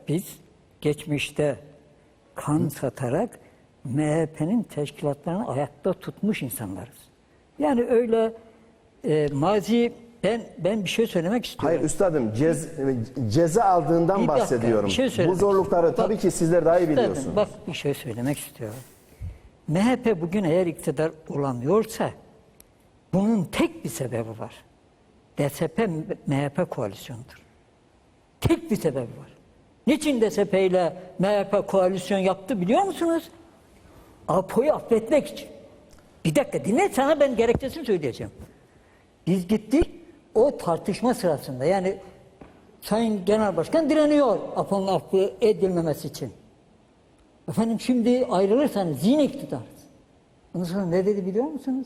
biz geçmişte kan satarak MHP'nin teşkilatlarını ayakta tutmuş insanlarız. Yani öyle mazi ben bir şey söylemek istiyorum. Hayır üstadım ceza aldığından Bir dakika, bahsediyorum. bir şey Bu söylemek zorlukları istiyorum. tabii ki sizler daha iyi Üstadım, biliyorsunuz. bak bir şey söylemek istiyorum. MHP bugün eğer iktidar olamıyorsa bunun tek bir sebebi var. DSP MHP koalisyonudur. Tek bir sebebi var. Niçin DSP ile MHP koalisyon yaptı biliyor musunuz? APO'yu affetmek için. Bir dakika dinle, sana ben gerekçesini söyleyeceğim. Biz gittik o tartışma sırasında, yani Sayın Genel Başkan direniyor APO'nun affı edilmemesi için. Efendim şimdi ayrılırsanız yine iktidarız. Ondan sonra ne dedi biliyor musunuz?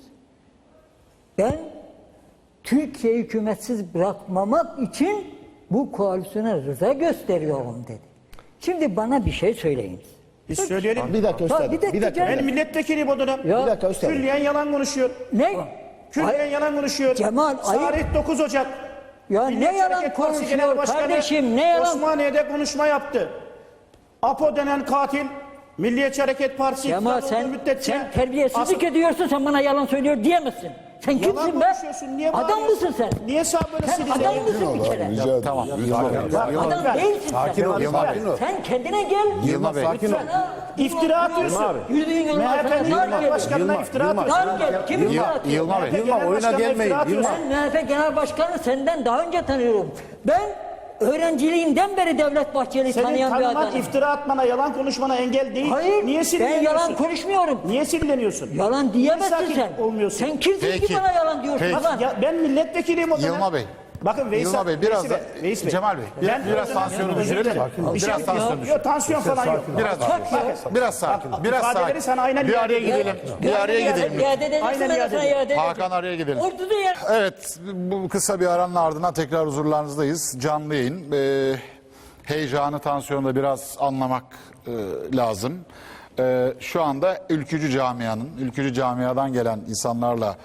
Ben Türkiye hükümetsiz bırakmamak için bu koalisyona rıza gösteriyorum dedi. Şimdi bana bir şey söyleyiniz. Biz söyleyelim. Bir dakika üstadım. Bir dakika canım. Ben milletvekiliyim o dönem. Ya, Bir dakika üstadım. Külliyen yalan konuşuyor. Ne? Külliyen yalan konuşuyor. Cemal, Tarih 9 Ocak. Ya Milliyetçi ne yalan Hareket Partisi konuşuyor Genel Başkanı kardeşim, ne yalan? Osmaniye'de konuşma yaptı. APO denen katil Milliyetçi Hareket Partisi Ama iktidar olduğu müddetçe sen terbiyesizlik ediyorsun, sen bana yalan söylüyor diyemezsin. Sen yalan kimsin be? konuşuyorsun. Niye Adam bağırıyorsun? mısın sen? Niye sağ böyle Sen sileceksin? adam mısın bir kere? Tamam. Adam değilsin Sakin ol, sen. sakin ol. Sen kendine gel. Yılmaz Bey. Sakin ol. İftira atıyorsun. Yürüdüğün yolun MHP'nin arkasına genel başkanına iftira atıyorsun. Dar gel. Kim iftira atıyor? Yılmaz Bey. Yılmaz, oyuna gelmeyin. Ben MHP Genel Başkanı senden daha önce tanıyorum. Ben öğrenciliğimden beri Devlet Bahçeli'yi Senin tanıyan bir tanıman, adamım. iftira atmana, yalan konuşmana engel değil. Hayır, Niye ben sinirleniyorsun? yalan konuşmuyorum. Niye sinirleniyorsun? Yalan diyemezsin Sakin sen. olmuyorsun. Sen kimsin ki Peki. bana yalan diyorsun? Peki. Ulan? Ya ben milletvekiliyim o dönem. Yılmaz Bey. Bakın Veysel, Yılmaz Bey biraz da Veys Bey. Cemal Bey. Biraz tansiyonu düşürelim. Biraz tansiyonu düşürelim. Yok tansiyon falan yok. Biraz sakin. Biraz ifade sakin. verirsen aynen Bir araya iade gidelim. Bir araya gidelim. İade edersin, Aynen ben iade sana edeyim. iade ederim. Hakan araya gidelim. Ortada yer. Evet, bu kısa bir aranın ardından tekrar huzurlarınızdayız. Canlı yayın. Heyecanı, tansiyonu da biraz anlamak lazım. Şu anda ülkücü camiadan gelen insanlarla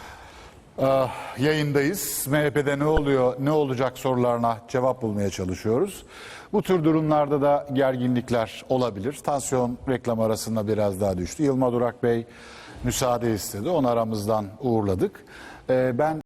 yayındayız. MHP'de ne oluyor, ne olacak sorularına cevap bulmaya çalışıyoruz. Bu tür durumlarda da gerginlikler olabilir. Tansiyon reklam arasında biraz daha düştü. Yılmaz Durak Bey müsaade istedi. Onu aramızdan uğurladık. Ben